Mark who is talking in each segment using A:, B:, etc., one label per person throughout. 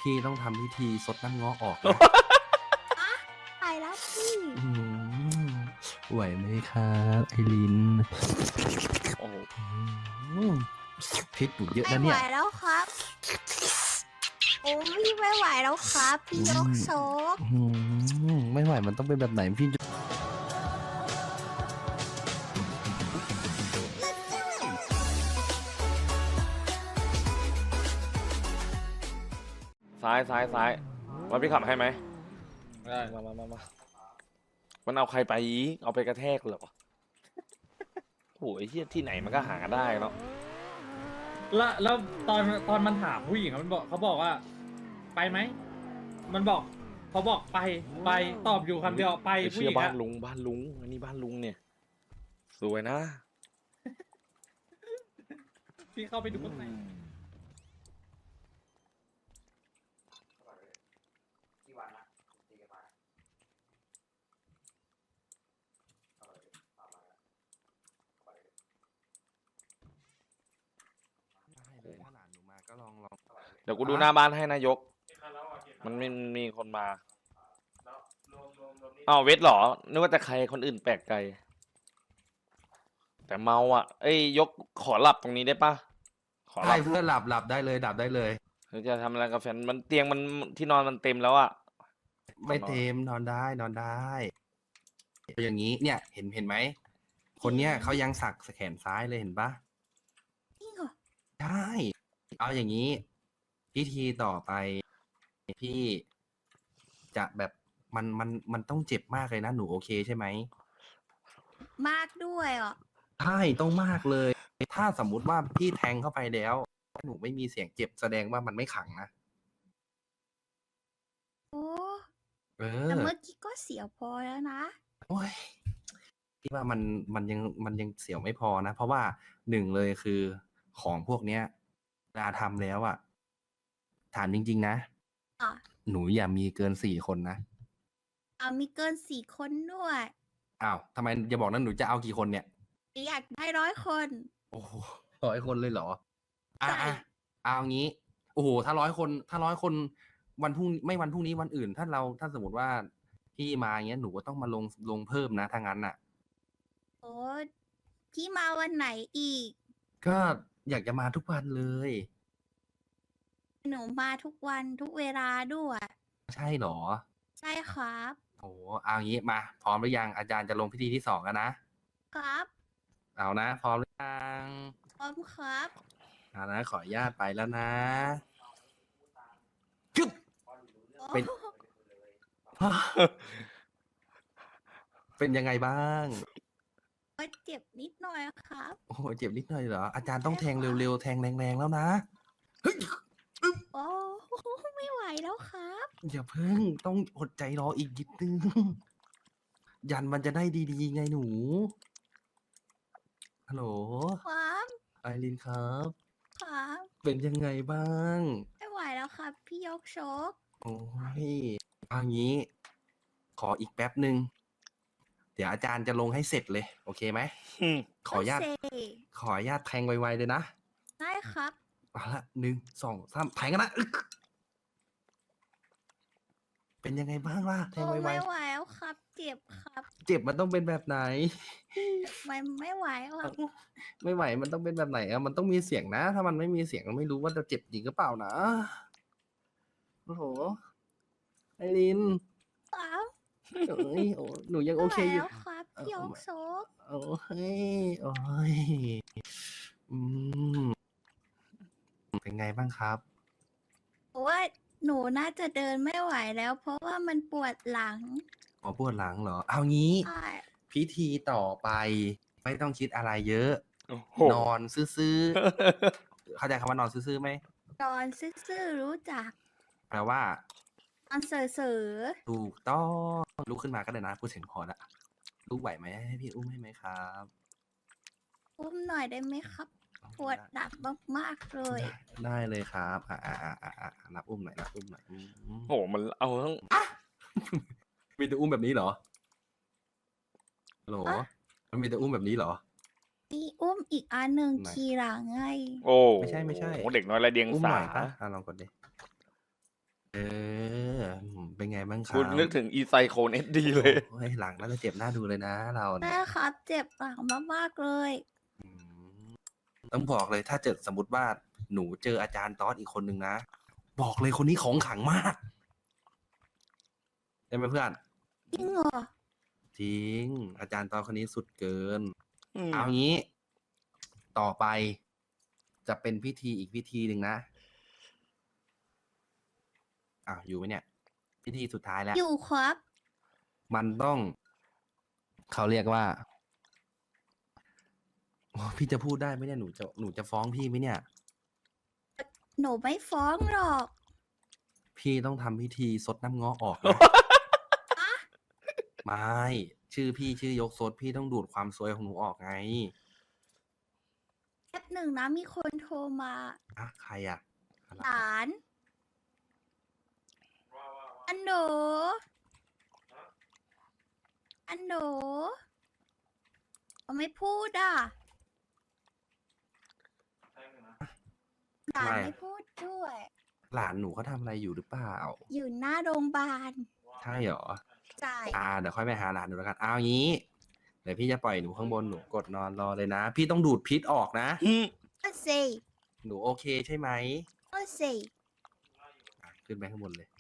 A: พี่ต้องทำพิธีซดน้ำเงาะออกนะ
B: ไปแล้วพี่
A: อืมไหวไหมครับไอริน
C: โอ้โห
A: อืมพิษอยู่เยอะ
B: ไม่
A: นะ
B: ไหว
A: เนี่ย
B: แล้วครับโอ้พี่ไม่ไหวแล้วครับพี่ยกโซก
A: ไม่ไหวมันต้องเป็นแบบไหนพี่จะ
C: ซ้ายว่าพี่ขับให้ไหม
D: ได้
C: มามันเอาใครไปอีกเอาไปกระแทกเหรอโอ้ยเฮียที่ไหนมันก็หาได้เนาะ
D: แล้วตอนมันถามผู้หญิงมันบอกเขาบอกว่า ไปไหมมันบอกเขาบอกไปตอบอยู่คำเดียวไป
C: ไอ้
D: ผู้ห
C: เชี่ย
D: ญิง
C: บ้า
D: อะ
C: นลุงอันนี้บ้านลุงเนี่ยสวยนะ
D: พี่เข้าไปดูข้างใน
A: ถ้าหลานหนูมาก็ลอง
C: เดี๋ยวกูดูหน้าบ้านให้นายก มันมีคนมาอ้าวเวทเหรอนึกว่าแต่ใครคนอื่นแปลกใจแต่เมาอ่ะเอ้ยยกขอหลับตรงนี้ได้ปะขอหลั
A: ได้
C: บ
A: เพื่อนหลับได้เลยดับได้เลย
C: หรือจะทำอะไรกับแฟนมันเตียงมันที่นอนมันเต็มแล้วอ่ะ
A: ไม่เต็มนอนได้อย่างนี้เนี่ยเห็นไหมคนเนี้ยเขายังสักแขนซ้ายเลยเห็นปะ
B: จริงเหรอ
A: ใช่เอาอย่างนี้พิธีต่อไปพี่จะแบบมันต้องเจ็บมากเลยนะหนูโอเคใช่ไหม
B: มากด้วยอ่ะ
A: ใช่ต้องมากเลย ถ้าสมมุติว่าพี่แทงเข้าไปแล้วหนูไม่มีเสียงเจ็บแสดงว่ามันไม่ขังนะ
B: โอ้
A: เอ
B: แต่
A: อ
B: เมื่อกี้ก็เสียวพอแล้วนะ
A: โอ้ยพี่ว่ามันยังเสียวไม่พอนะ เพราะว่าหนึ่งเลยคือของพวกเนี้ยเวลาทำแล้วอ่ะถามจริงๆนะ
B: อ่ะ
A: หนูอย่ามีเกิน4 คนนะ
B: มีเกิน4 คนด้วย
A: อ้าวทำไมอย่าบอกนะหนูจะเอากี่คนเนี่ย
B: อยากได้100 คน
A: โอ้โห100 คนเลยเหรอ
B: ใช่
A: เอางี้ โอ้โหถ้า100 คนวันพรุ่งไม่วันพรุ่งนี้วันอื่น ถ้าสมมติว่าพี่มาอย่างเงี้ยหนูก็ต้องมาลงเพิ่มนะถ้างั้นน่ะ
B: โอ้พี่มาวันไหนอีก
A: ก็อยากจะมาทุกวันเลย
B: หนูมาทุกวันทุกเวลาด้วย
A: ใช่เหรอ
B: ใช่ครับ
A: โอ้เอางี้มา พร้อมหรือยังอาจารย์จะลงพิธีที่2กันนะครับ เอานะ พร้อมหรือยัง
B: พร้อมครับ
A: เอานะขออนุญาตไปแล้วนะจุ๊บ เป็น เป็นยังไงบ้าง
B: ก็เจ็บนิดหน่อยครับ
A: โอ้โหเจ็บนิดหน่อยเหรออาจารย์ต้องแทงเร็วๆแทงแรงๆแล้วนะเฮ้ย
B: โอ้ไม่ไหวแล้วครับ
A: อย่าเพิ่งต้องอดใจรออีกนิดนึง ยันมันจะได้ดีๆไงหนูฮัลโหล
B: ครับ
A: ไอรินครับ
B: ครับ
A: เป็นยังไงบ้าง
B: ไม่ไหวแล้วครับ พี่ยกโชก
A: โอ้ยเอางี้ ขออีกแป๊บหนึ่งเดี๋ยวอาจารย์จะลงให้เสร็จเลย โอเคไหมขออนุญาต
B: โเซ
A: ขออนุญาตแทงไวๆเลยนะ
B: ได้ครับ
A: เอาละ1 2 3แทงกันนะอึ๊กเป็นยังไงบ้างล่ะแทง
B: โอ้
A: ไว
B: ไม่ไหวแล้วครับ เจ็บครับ
A: ๆเจ็บมันต้องเป็นแบบไหน
B: มันไม่ไหวหรอก
A: ไม่ไหวมันต้องเป็นแบบไหนอะมันต้องมีเสียงนะ ถ้ามันไม่มีเสียงเราไม่รู้ว่าจะเจ็บจริงหรือเปล่านะโอ้โหไอริน
B: ครับ
A: เอ้ยโอ้หนูยังโอเคอ
B: ไม่ไหว
A: ยู่
B: แล้วครับพี่ยกโชก
A: โอ้ยโอ้ยอืมเป็นไงบ้างครับ
B: เพราะว่าหนูน่าจะเดินไม่ไหวแล้ว เพราะว่ามันปวดหลัง
A: หมอปวดหลังเหรอ เอางี้
B: ใช่
A: พิธีต่อไป ไม่ต้องคิดอะไรเยอะ
C: โอ้โห
A: นอนซื่อๆ เข้าใจคำว่านอนซื่อๆไหม
B: นอนซื่อๆรู้จัก
A: แปลว่า
B: นอนเสือ
A: ถูกต้องลุกขึ้นมาก็ได้นะพูดเสียงพอละลุกไหวไหมให้พี่อุ้มให้ไหมครับ
B: ๆอุ้มหน่อยได้ไหมครับ ปวดหลังมากๆเลย
A: ได้เลยครับนับอุ้มหน่อยนับอุ้มหน่อยอืม
C: โอ้โหมันเอาทั้ง
A: มีแต่อุ้มแบบนี้เหรอฮัลโหล
B: อะ
A: มันมีแต่อุ้มแบบนี้เหรอ
B: มีอุ้มอีกอันหนึ่ง
A: ไหน
B: ขี่หลังไง
C: โอ้
A: ไม่ใช่
C: โหเด็กน้อยไรเดียง
A: อุ้ม
C: สา
A: หน่อยปะลองกดดิเออเป็นไงบ้างครั
C: คุณนึก
A: บ
C: ถึงอีไซโคนเอสดีเลย
A: โอ้ยหลังน่าจะเจ็บหน้าดูเลยนะเราเนี่
B: แม่
A: ย
B: ครับ เจ็บหลังมากๆเลย
A: อืมต้องบอกเลยถ้าเจอสมมติว่าหนูเจออาจารย์ตอสอีกคนนึงนะ บอกเลยคนนี้ของขลังมากใช่ไหมเพื่อน
B: จริงเหรอ
A: จริง อาจารย์ตอสคนนี้สุดเกิน
C: อืม
A: เอางี้ ต่อไป จะเป็นพิธีอีกพิธีหนึ่งนะอ้าวอยู่ไหมเนี่ย พิธีสุดท้ายแล้ว
B: อยู่ครับ
A: มันต้อง เขาเรียกว่าโอ้พี่จะพูดได้ไหมเนี่ยหนูจะฟ้องพี่ไหมเนี่ย
B: หนูไม่ฟ้องหรอก
A: พี่ต้องทำพิธีซดน้ำเงาะออกนะ ไม่ ชื่อพี่ชื่อยกซดพี่ต้องดูดความซวยของหนูออกไง
B: แป๊บหนึ่งนะมีคนโทรมา
A: อะใครอะอะไร
B: หลาน อันโดอันโดเขาไม่พูดอ่ะ หลานไม่พูดด้วย
A: หลานหนูเขาทำอะไรอยู่หรือเปล่า
B: อยู่หน้าโรงพยาบาล
A: ใช่เหรอ
B: ใช่
A: เดี๋ยวค่อยไปหาหลานหนูแล้วกันเอางี้ เดี๋ยวพี่จะปล่อยหนูข้างบนหนูกดนอนรอเลยนะ พี่ต้องดูดพิษออกนะ
C: อืม
B: ก็สิ
A: หนูโอเคใช่ไหม
B: ก็สิ
A: ขึ้นไปข้างบนเลย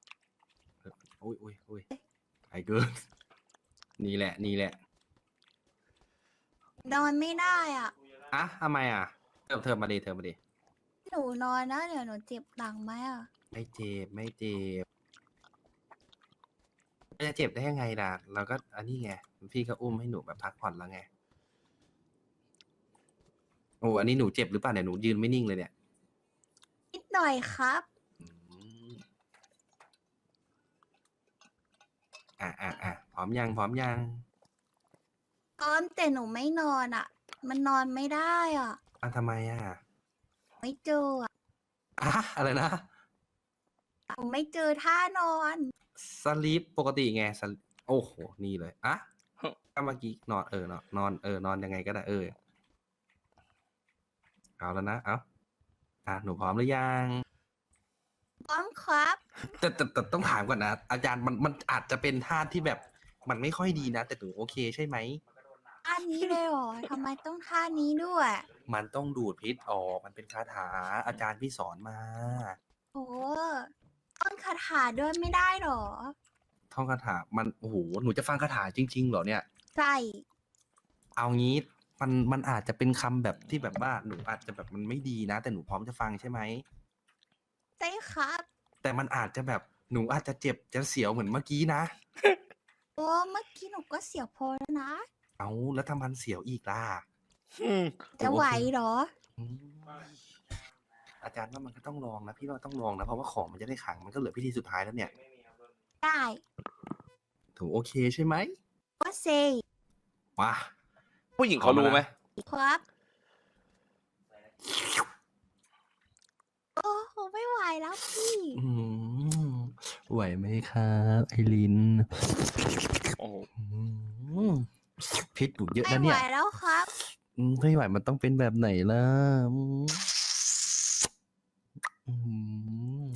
A: อุ้ยไอ้เกิน นี่แหละ
B: นอนไม่ได้อ่ะ
A: อ่ะทำไมอ่ะเธอมาดิ
B: หนูนอนนะเดี๋ยวหนูเจ็บหลังไหมอ่ะ
A: ไม่เจ็บจะเจ็บได้ยังไงล่ะ เราก็อันนี้ไง พี่ก็อุ้มให้หนูแบบพักผ่อนแล้วไง โอ้อันนี้หนูเจ็บหรือเปล่าเนี่ยหนูยืนไม่นิ่งเลยเนี่ย
B: นิดหน่อยครับ
A: อืมพร้อมยัง
B: พร้อมแต่หนูไม่นอนอ่ะ มันนอนไม่ได้อ่ะ
A: ทำไมอ่ะ
B: ไม่เจออ่ะ
A: อะไรนะ
B: หนูไม่เจอท่านอน
A: สลีปปกติไงโอ้โห นี่เลยก็เมื่อกี้นอนนอนยังไงก็ได้เอาแล้วนะหนูพร้อมหรือยัง
B: พร้อมครับ
A: แต่ต้องถามก่อนนะ อาจารย์มันอาจจะเป็นท่าที่แบบ มันไม่ค่อยดีนะ แต่หนูโอเคใช่ไหม
B: ท่านี้เลยเหรอ ทำไมต้องท่านี้ด้วย
A: มันต้องดูดพิษออก มันเป็นคาถาอาจารย์พี่สอนมา
B: โอ้ต้นคาถาด้วยไม่ได้เหรอ
A: ท่องคาถามันโอ้โหหนูจะฟังคาถาจริงๆเหรอเนี่ย
B: ใช่
A: เอางี้มันอาจจะเป็นคำแบบที่แบบว่าหนูอาจจะแบบมันไม่ดีนะ แต่หนูพร้อมจะฟังใช่ไหม
B: ใช่ครับ
A: แต่มันอาจจะแบบหนูอาจจะเจ็บจะเสียวเหมือนเมื่อกี้นะ
B: โอ้เมื่อกี้หนูก็เสียวพอแล้วนะ
A: เอาแล้วถ้ามันเสียวอีกล่ะ
C: อืม
B: จะไหวเหรอ
A: อืมอาจารย์ว่ามันก็ต้องลองนะพี่ว่าต้องลองนะเพราะว่าของมันจะได้ขลังมันก็เหลือพิธีสุดท้ายแล้วเนี่ย
B: ได้
A: ถูกโอเคใช่ไหม
B: ก็เซ
A: ว้า
C: ผู้หญิงเขารู้ไหม
B: ครับ โอ้โหไม่ไหวแล้วพี่
A: อืมไหวไหมครับไอริน
C: โอ้โห
A: อืมพิษหนูเยอะ
B: ไม่
A: นะ
B: ไหว
A: เนี่ย
B: แล้วครับ
A: ไม่ไหวมันต้องเป็นแบบไหนล่ะอืม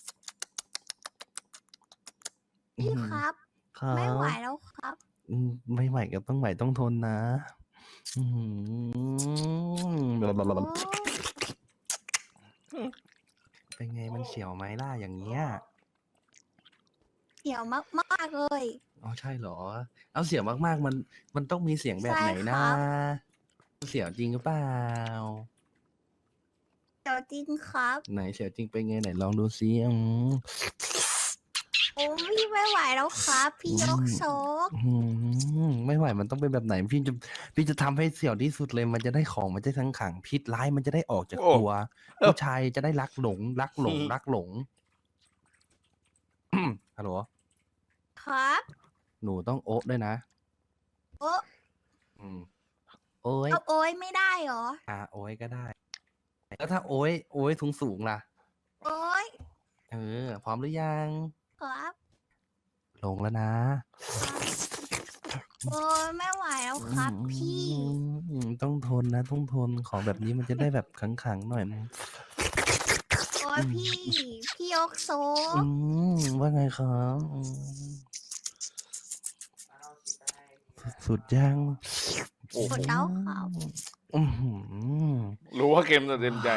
B: พี่ครับ
A: ครับ
B: ไม่ไหวแล้วครับ
A: ไม่ไหวก็ต้องไหวต้องทนนะอืม
B: โอ้
A: เป็นไงมันเสียวไหมล่ะอย่างเงี้ย
B: เสียวมากๆเลย
A: อ๋อใช่เหรอ เอาเสียวมากๆมันต้องมีเสียงแบบไหน
B: ใช่ค
A: นะ
B: รับ
A: เสียวจริงหรือเปล่า
B: เดี๋ยวจริงครับ
A: ไหนเสียวจริงเป็นไงไหนลองดูซิ
B: โอ้พี่ไม่ไหวแล้วครับ พี่ยกโชก
A: ไม่ไหวมันต้องเป็นแบบไหนพี่จะทำให้เสียวที่สุดเลยมันจะได้ของมันจะทั้งขังพิษร้ายมันจะได้ออกจากตัวผู้ชายจะได้รักหลงฮัลโหล
B: ครับ
A: หนูต้องโอ๊ะด้วยนะ
B: โอ้
A: โอ้ย
B: เอาโอ้ยไม่ได้เหรอ
A: โอ้ยก็ได้ แล้วถ้าโอ้ยสูงล่ะ
B: โอ้ย
A: พร้อมหรือยัง
B: ครับ
A: ลงแล้วนะ
B: โอ้ยไม่ไหวแล้วครับ พี่
A: ต้องทนนะต้องทนของแบบนี้มันจะได้แบบขังๆหน่อย
B: โอ้พี่ยกโซ
A: ว่าไงครับสุดยัง
C: โอ้
B: ก
C: โห
B: ดแล้วครับ
A: อื้อหือ
C: รู้ว่าเกมจะเต็มใจ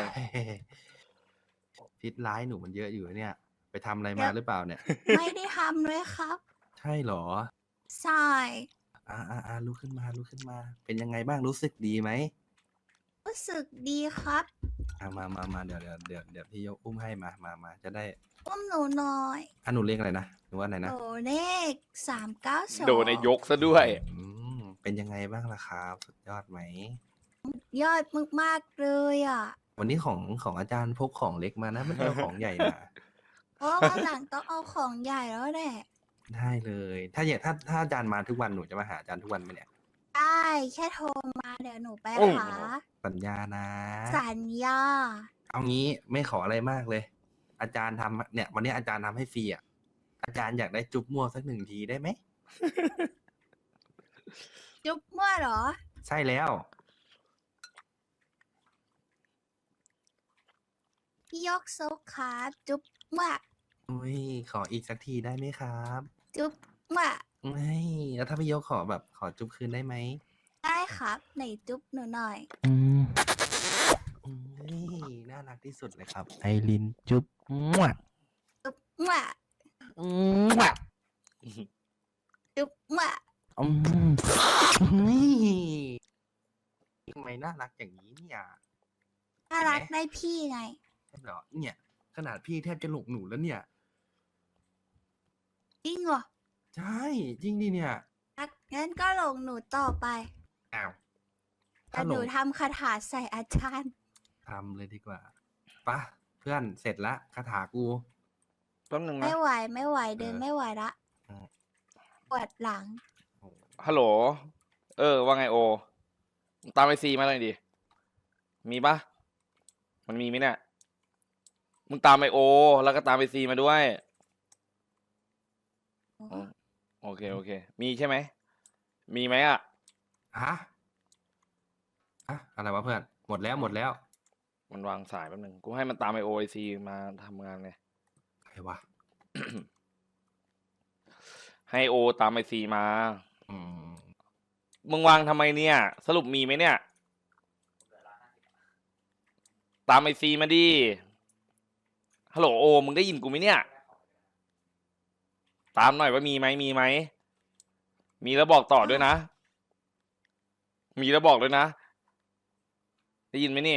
A: พิษร้ายหนูมันเยอะอยู่เนี่ย ไปทำอะไรมาหรือเปล่าเนี่ย
B: ไม่ได้ทำเลยครับ
A: ใช่เหรอ
B: ใช่
A: ลุกขึ้นมาลุกขึ้นมา เป็นยังไงบ้างรู้สึกดีไหม
B: รู้สึกดีครับ
A: มาเดี๋ยวพี่ยกอุ้มให้มาจะได้
B: อุ้มหนูหน่อย
A: หนูเรียกอะไรนะหนูว่าอะไร
B: ห
A: นะ
B: นูเลข392
C: โดนในยกซะด้วย
A: เป็นยังไงบ้างล่ะครับสุดยอดไหม
B: ยอดมากๆเลยอ่ะ
A: วันนี้ของอาจารย์พกของเล็กมานะไม่ได้เอาของใหญ่มา
B: เพราะว่าวันหลังต้องเอาของใหญ่แล้วแหละ
A: ได้เลย ถ้าอาจารย์มาทุกวันหนูจะมาหาอาจารย์ทุกวันไหมเนี่ย
B: ได้แค่โทรมาเดี๋ยวหนูไป
C: โอ้
B: หา
A: สัญญานะ
B: สัญญา
A: เอางี้ไม่ขออะไรมากเลย อาจารย์ทำเนี่ย วันนี้อาจารย์ทำให้ฟรีอ่ะอาจารย์อยากได้จุ๊บมั่วสัก1 ทีได้ไหม
B: จุ๊บมั่วเหรอ
A: ใช่แล้ว
B: พี่ยกโซครับ จุ๊บมั่ว
A: อุ้ยขออีกสักทีได้ไหมครับ
B: จุ๊บมั่ว
A: ไม่แล้วถ้าพี่ยกขอจุ๊บคืนได้ไหม
B: ได้ครับไหนจุ๊บหนูหน่อย
A: น่ารักที่สุดเลยครับ ไอรินจุ๊บมั่ว
B: จุ๊บมั่ว
A: มั่ว
B: จุ๊บมั่ว
A: นี่ทำไมน่ารักอย่างนี้เนี่ย
B: น่ารักได้พี่ไง
A: ใช่เหรอเนี่ย ขนาดพี่แทบจะหลงหนูแล้วเนี่ย
B: จริงเหรอ
A: ใช่จริงดิเนี่ย
B: งั้นก็หลงหนูต่อไป
A: อ้าว
B: แต่
A: ถ้าห
B: ห
A: ล
B: นู
A: ง
B: ทำคาถาใส่อาจารย์
A: ทำเลยดีกว่าปะเพื่อนเสร็จละคาถากู
C: แป๊บนึงนะ
B: ไม่ไหวเดินไม่ไหวละ
A: อืม
B: ปวดหลัง
A: โอ้
C: ฮัลโหล ว่าไงโอ ตามไอซีมาเลยดิ มีปะมันมีไหมเนี่ย มึงตามไอโอ แล้วก็ตามไอซีมาด้วย อ๋อ โอเค มีใช่ไหม มีไหมอ่ะ
A: ฮะอะไรวะเพื่อน หมดแล้ว
C: มันวางสายแป๊บนึง กูให้มันตามไอโอไอซีมาทำงานไง
A: ใครวะ
C: ให้โอตามไอซีมา
A: อืม
C: มึงวางทำไมเนี่ย สรุปมีไหมเนี่ย ตามไอซีมาดิ ฮัลโหลโอ มึงได้ยินกูไหมเนี่ย ตามหน่อยว่ามีไหม มีแล้วบอกต่อด้วยนะ มีแล้วบอกด้วยนะ ได้ยินไหมนี่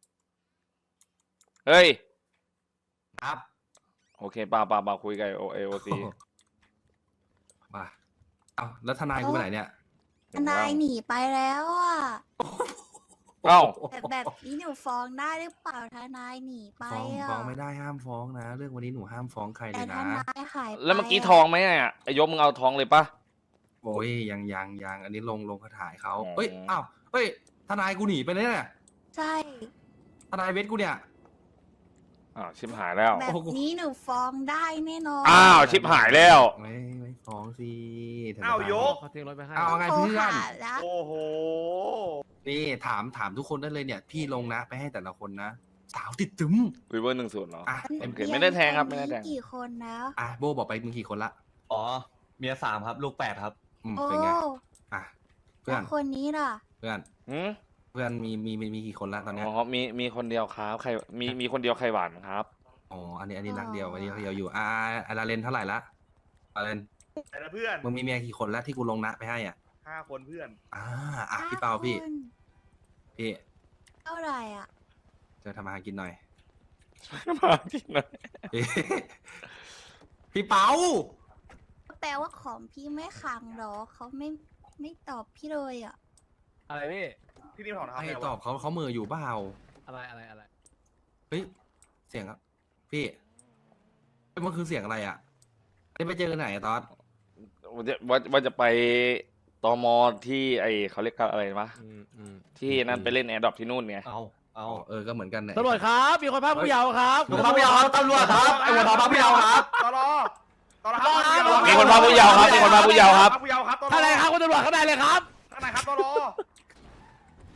C: เฮ้ย
A: ครับ
C: โอเคป่าคุยกับโอซี
A: มาเอาแล้วทนายกูไปไหนเนี่ย
B: ทนายหนีไปแล้วอ่ะ
C: เอ้า
B: แต่แบบนี้หนูฟ้องได้หรือเปล่าทนายหนีไป
A: ฟ้อง
B: อ่ะ
A: ฟ้องไม่ได้ห้ามฟ้องนะ เรื่องวันนี้หนูห้ามฟ้องใครเล
B: แต่
A: ย
B: ท
A: นะ
B: นายหายไป
C: แล้วเมื่อกี้
B: ะ
C: ทองไหมเนี่ยไอยกมึงเอาทองเลยปะ
A: โอ้ยยังอันนี้ลงคาถาให้เขา
C: อ๋อ
A: เอ้ยอ้าวเฮ้ยทนายกูหนีไปเลยเนี่ย
B: ใช่
A: ทนายเวทกูเนี่ย
C: อ้าวชิบหายแล้ว
B: แบบนี้หนูฟ้องได้แน่นอน
C: อ้าวชิบหายแล้ว
A: ไม่ฟ้องสิทน
E: อ้าวยก
F: เขาทิ้งรถไปให้
A: เอาไง
B: โทร
A: เพื่อน
B: หาแล้ว
E: โอ้โห
A: นี่ถามทุกคนได้เลยเนี่ย พี่ลงนะไปให้แต่ละคนนะสาวติดตึม
C: วิเวอร์1-0เหรอ
A: อ่ะ
C: โอเคไม่ได้แทงครับไม่ได้แทง
B: กี่คนแล้ว
A: โบบอกไปมึงกี่คนละ
F: อ๋อ เมีย3 ครับ ลูก 8 ครับ
B: โอ้
A: เป็นไงอ่ะเพื่อ
B: แล้
A: น
B: วคนนี้ล่ะ
A: เพื่อน
C: หืม
A: เพื่อนมีกี่คนละตอนเนี้ย
C: อ๋อมีคนเดียวครับใครมีคนเดียวใครหวานครับ
A: อ๋ออันนี้รักเดียวอันนี้รักเดียวอยู่อาราเลนเท่าไหร่ละอาราเลน
E: แต่ละเพื่อน
A: มึงมีเมียกี่คนแล้วที่กูลงนะไปให้อ่ะ
E: 5 คนเพื่อน
A: พี่เปาพี่
B: ห้คน
A: พี่
B: เท่าไหร่อ่ะ
A: จะทำอาหารกินหน่อย
C: มาที่ไหน
A: พี่ พี่เปา
B: แปลว่าของพี่ไม่ขังเหรอเขาไม่ตอบพี่เลยอ่ะ
F: อะไรพี่
E: พี่นิ่มถอนเท้า
A: ให้
E: ไงวะ
A: ตอบเขามืออยู่เปล่า
F: อะไร
A: เฮ้ยเสียงครับพี่เฮ้ยมันคือเสียงอะไรอ่ะได้ไปเจอกันไหนอะตอน
C: ว่าจะไปตมที่ไอเขาเรียกกันอะไรวะที่นั่นไปเล่นแอร์ดรอปที่นู่นไง
F: เอา
A: ก็เหมือนกันเนี่ย
F: ตำรวจครับ มีคนพาผู้เยาว์ครับ
E: มีคนพาผู้เยาว์ครับตำรวจครับไอ้หัวทองพาผู้เยาว์ครับตลอครับ
C: มีคนพาผู้เยาว์ครับมีคนพาผู้เยาว์ครับ
E: พาผู้เยาว์ครับตลอ
F: ท่านไหนครับคุณตำรวจข้างในเลยครับ
E: ข้างไหนครับตลอ
A: พ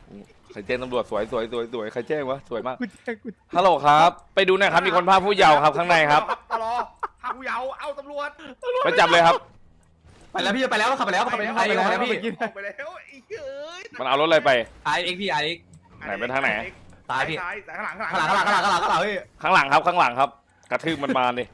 C: ใครแจ้งตำรวจสวยใครแจ้งวะสวยมากฮัลโหลครับ ไปดูหน่อยครับมีคนพาผู้เยาว์ครับข้างในครับ
E: ตลอพาผู้เยาว์เอาตำรวจ
C: ไปจับเลยครับ
F: ไปแล้วพี่ไปแล้วขับไปแล้วขับไปแล้วพี่
E: ออกไปแล้วไอ้เอ้ย
C: มันเอารถอะไรไป
F: RX พี่ RX
C: ไหนไปทางไหน
F: ซ้ายพี่
E: ซ้ายข้างหลัง
F: ข้างหลังพี่
C: ข้างหลังครับกระทืบมันมาดิ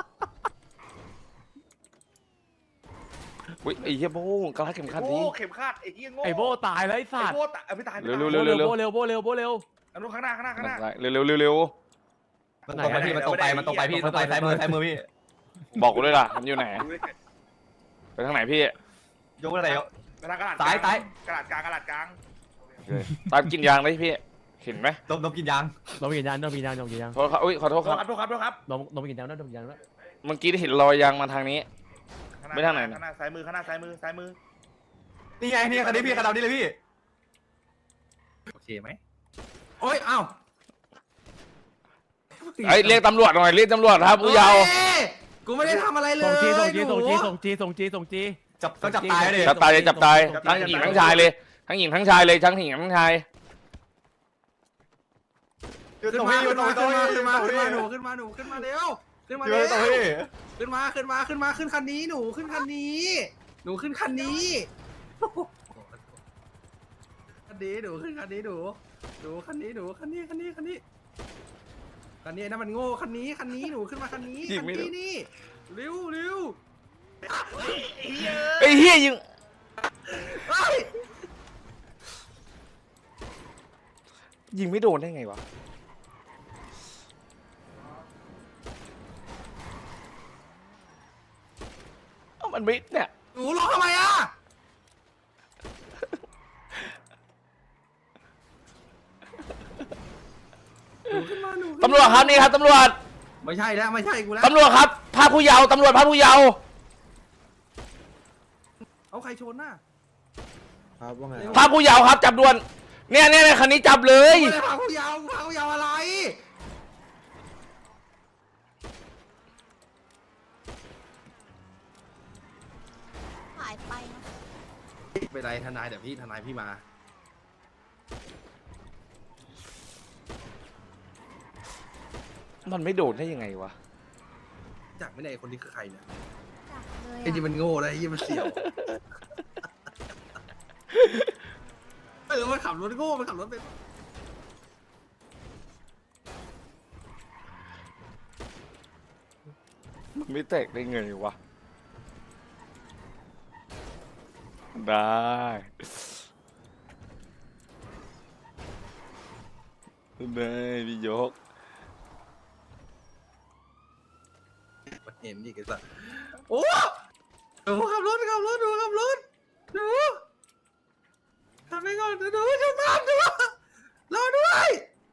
C: อุ้ยไอ้เหี้ยโบ้กระลาเข็มขัด
E: โอ้
C: นี้
E: เข็มขัดไอ้เหี้ยโง่
F: ไอโบตายแล้วไอสัตว์
E: โบ้ตะไม่ตาย
C: เร็ว
F: โบเร็วโบเร็ว
E: อันนู้นข้างหน้า
C: เร็ว
F: มันตรงไปพี่มันตรงไปพี่ตรงไปซ้ายมือพี่
C: บอกกูด้วยล่ะมันอยู่ไหนไปทางไหนพี่
F: ยกอะไร
E: กระดาษ
F: ซ้าย
E: กระดาษกลาง
C: ตามกินยางได้พี่เห็นไหม
F: นมกินยาง
G: นมกินยาง
C: โทษครับอุ้ยขอโทษครับ
E: ครับ
G: นมกินยางนมกินยาง
C: เมื่อกี้เห็นรอยยางมาทางนี้ ไม่ทางไหนนะ
E: ข้างหน้าซ้ายมือ
F: นี่ไงนี่คันนี้พี่คันดำนี่เลยพี่
A: โอเคไหมโอ้ยอ้าว
C: ไอ้เรียกตำรวจหน่อยเรียกตำรวจครับผู้เยาว์
A: กูไม่ได้ทำอะไรเลย
G: ส่งจี
F: ต้องจับตายเลย
C: จับตายทั้งหญิงทั้งชายเลยทั้งหญิงทั้งชายเลยทั้งหญิงทั้งชาย
A: ขึ้นมาหนูขึ้นมาเร็วขึ้นมาขึ้นคันนี้หนูขึ้นคันนี้หนูขึ้นคันนี้หนูคันนี้นะมันโง่คันนี้หนูขึ้นมาคันนี้นี่เร็ว
C: ไอ้เหี้ยยิงยิงไม่โดนได้ไงวะมันไม่เนี่ย
A: หนูร้องทำไมอ่ะ
C: ตำรวจครับนี่ครับตำรวจ
A: ไม่ใช่กูแล้ว
C: ตำรวจครับพาผู้เยาว์ตำรวจพาผู้เยาว์
A: เอาใครชนน่ะ
C: พาผู้เยาว์ครับจับด่วนเนี่ยคันนี้จับเลย
A: ไม่ได้พาผู้เยาว์อะไร
B: หายไปนะ
A: ไม่เป็นไรทนายเดี๋ยวทนายพี่มา
C: มันไม่โดนได้ยังไงวะ
A: จากไม่ได้คนนี้คือใครเนี่ย
B: จับเลย
A: ไอ้ยี่มันโง่นะไอ้ยี่มันเสี่ยวมันขับรถโง่มันขับรถเป็น
C: มันไม่แตกได้ไงวะได้พี่ยก
A: มันเห็นดิไอ้สัสโอ้หนูขับรถขับไปก่อนหนูจะตามหนูรอด้วย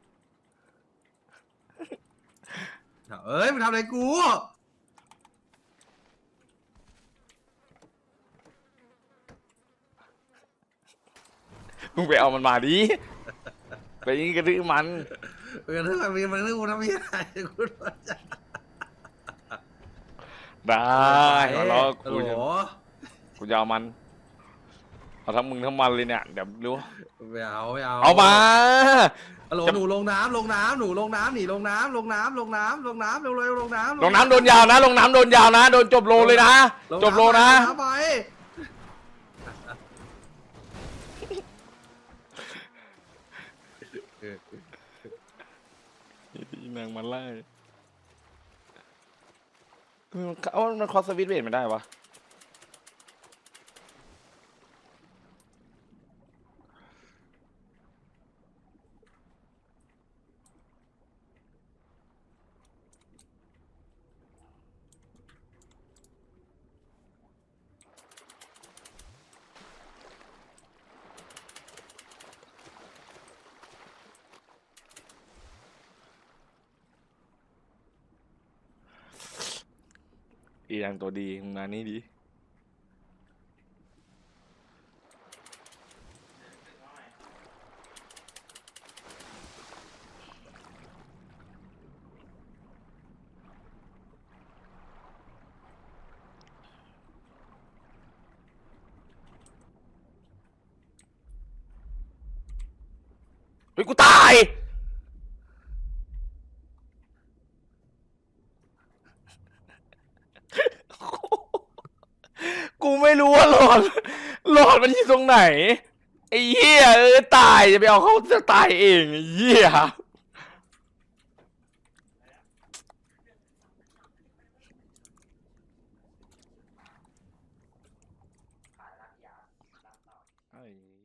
A: เอ้ยมันทำอะไรกู
C: มึงไปเอามันมาดิไปยิงกระดื้อมัน
A: มันเรื่องกูทำยังไงกู
C: ได้มาล้อ
A: โอ้โห
C: กูจะเอามันเอาทั้งมึงทั้งมันเลยเนี่ยเดี๋ยวรู้
A: ไม่เอา
C: เอามา
A: ฮัลโหลหนูลงน้ำหนูลงน้ำหนีลงน้ำเร็วๆลงน้ำ
C: ลงน้ำโดนยาวนะลงน้ำโดนยาวนะโดนจบโลเลยนะจบโลนะ
A: ไป
C: นางมันไล่มันคอสวิตช์เบรไม่ได้วะอีแรงตัวดีงานนี้ดีฮ้ยกูตาย กูไม่รู้ว่าหลอดมันอยู่ตรงไหนไอ้เหี้ยตายจะไปเอาเขาจะตายเองไอ้เหี้ยไอ้